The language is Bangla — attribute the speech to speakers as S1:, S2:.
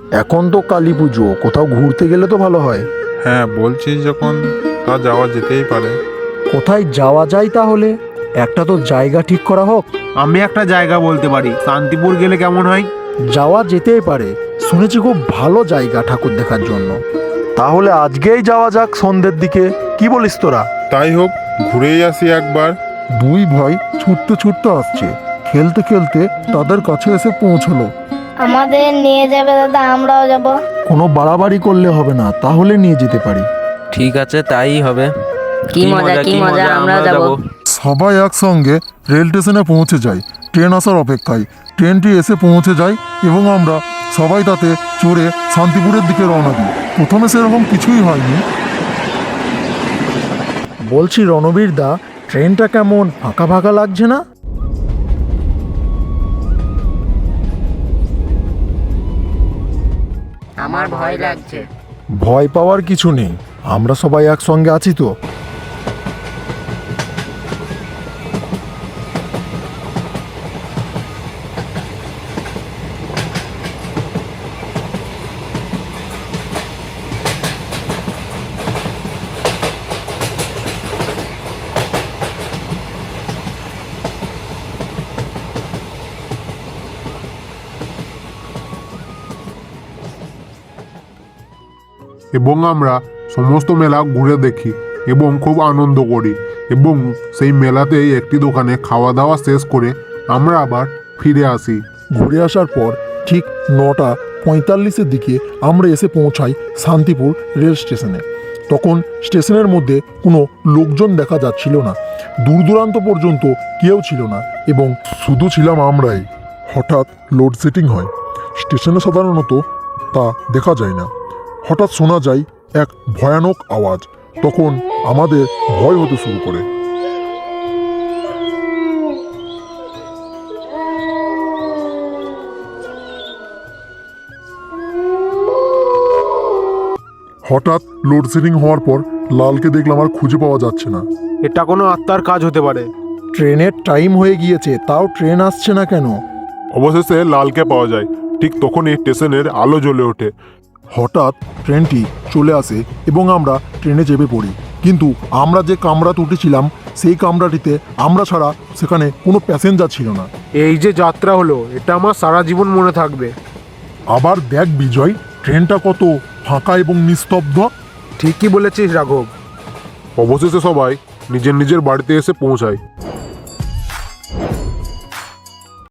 S1: এখন তো কালী পুজো, কোথাও ঘুরতে গেলে তো ভালো হয়।
S2: হ্যাঁ, বলছিস যখন তা যাওয়া যেতেই পারে।
S1: কোথায় যাওয়া যায় তাহলে? একটা তো জায়গা ঠিক করা হোক।
S3: আমি একটা জায়গা বলতে পারি, শান্তিপুর গেলে কেমন হয়?
S1: যাওয়া যেতেই পারে, শুনেছি খুব ভালো জায়গা ঠাকুর দেখার জন্য। তাহলে আজকেই যাওয়া যাক সন্ধ্যের দিকে, কি বলিস তোরা?
S2: তাই হোক, ঘুরেই আসি একবার।
S1: দুই ভাই ছুটতে ছুটতে আসছে, খেলতে খেলতে তাদের কাছে এসে পৌঁছলো।
S4: আমাদের নিয়ে যাবে দাদা, আমরাও যাব।
S1: কোনো বাড়াবাড়ি করলে হবে না, তাহলে নিয়ে যেতে পারি।
S5: ঠিক আছে, তাই হবে।
S6: কি মজা, আমরা যাব।
S1: সবাই একসঙ্গে রেল স্টেশনে পৌঁছে যাই, ট্রেন আসার অপেক্ষায়। ট্রেনটি এসে পৌঁছে যায় এবং আমরা সবাই তাতে চড়ে শান্তিপুরের দিকে রওনা দিই। প্রথমে সেরকম কিছুই হয়নি। বলছি রণবীর দা, ট্রেনটা কেমন ফাঁকা ফাঁকা লাগছে না?
S6: আমার ভয় লাগছে।
S1: ভয় পাওয়ার কিছু নেই, আমরা সবাই একসঙ্গে আছি তো।
S2: এবং আমরা সমস্ত মেলা ঘুরে দেখি এবং খুব আনন্দ করি, এবং সেই মেলাতেই একটি দোকানে খাওয়া দাওয়া শেষ করে আমরা আবার ফিরে আসি।
S1: ঘুরে আসার পর ঠিক 9:45-এর দিকে আমরা এসে পৌঁছাই শান্তিপুর রেল স্টেশনে। তখন স্টেশনের মধ্যে কোনো লোকজন দেখা যাচ্ছিল না, দূর দূরান্ত পর্যন্ত কেউ ছিল না, এবং শুধু ছিলাম আমরাই। হঠাৎ লোডশেডিং হয়, স্টেশনে সাধারণত তা দেখা যায় না। হঠাৎ শোনা যায় এক ভয়ানক আওয়াজ, তখন আমাদের ভয় হতে শুরু করে। হঠাৎ লোডশেডিং হওয়ার পর লালকে দেখলাম আর খুঁজে পাওয়া যাচ্ছে না।
S3: এটা কোনো আত্মার কাজ হতে পারে।
S1: ট্রেনের টাইম হয়ে গিয়েছে, তাও ট্রেন আসছে না কেন?
S2: অবশেষে লালকে পাওয়া যায়, ঠিক তখনই স্টেশনের আলো জ্বলে ওঠে।
S1: হঠাৎ ট্রেনটি চলে আসে এবং আমরা ট্রেনে চেপে পড়ি, কিন্তু আমরা যে কামরাতে উঠেছিলাম সেই কামরাটিতে আমরা ছাড়া সেখানে কোনো প্যাসেঞ্জার ছিল না।
S3: এই যে যাত্রা হলো, এটা আমার সারা জীবন মনে থাকবে।
S1: আবার দেখ বিজয়, ট্রেনটা কত ফাঁকা এবং নিস্তব্ধ।
S3: ঠিকই বলেছিস রাঘব।
S2: অবশেষে সবাই নিজের নিজের বাড়িতে এসে পৌঁছায়।